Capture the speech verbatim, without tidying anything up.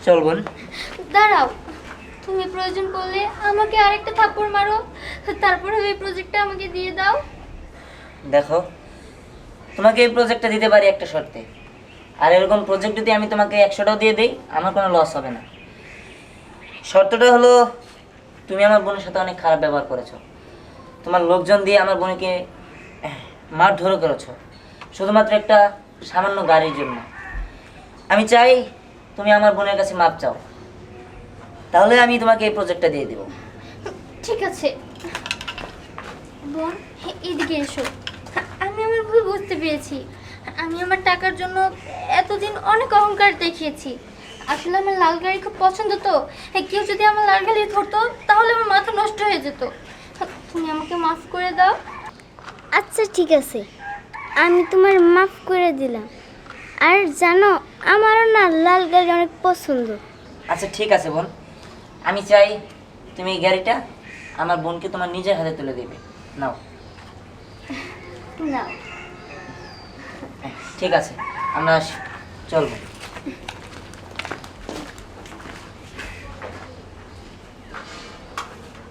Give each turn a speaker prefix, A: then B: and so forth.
A: চল বোন।
B: দাঁড়াও, তুমি প্রয়োজন পড়লে আমাকে আরেকটা থাপ্পড় মারো, তারপরে এই প্রজেক্টটা আমাকে দিয়ে দাও।
A: দেখো, তোমাকে এই প্রজেক্টটা দিতে পারি একটা শর্তে। আর এরকম প্রজেক্ট যদি আমি তোমাকে একশোটাও দিয়ে দিই, আমার কোনো লস হবে না। শর্তটা হলো, তুমি আমার বোনের সাথে অনেক খারাপ ব্যবহার করেছো। তোমার লোকজন দিয়ে আমার বোনকে মারধর করেছো শুধুমাত্র একটা সামান্য গাড়ির জন্য। আমি চাই তুমি আমার বোনের কাছে মাপ চাও, তাহলে আমি তোমাকে এই প্রজেক্টটা দিয়ে দেবো।
B: ঠিক আছে বোন, এদিকে এসো। আমি আমার ভুল বুঝতে পেরেছি। আমি আমার টাকার জন্য এতদিন অনেক অহংকার দেখিয়েছি। আসলে আমার লাল গাড়ি খুব পছন্দ, তো কেউ যদি আমার লাল গাড়ি ধরতো তাহলে আমার মাথা নষ্ট হয়ে যেত। তুমি আমাকে মাফ করে দাও।
C: আচ্ছা ঠিক আছে, আমি তোমার মাফ করে দিলাম। আর জানো, আমারও না লাল গাড়ি অনেক পছন্দ।
A: আচ্ছা ঠিক আছে বোন, আমি চাই তুমি এই গাড়িটা আমার বোনকে তোমার নিজের হাতে তুলে দেবে। নাও।
B: না,
A: ঠিক আছে, আমরা আসি। চল বোন।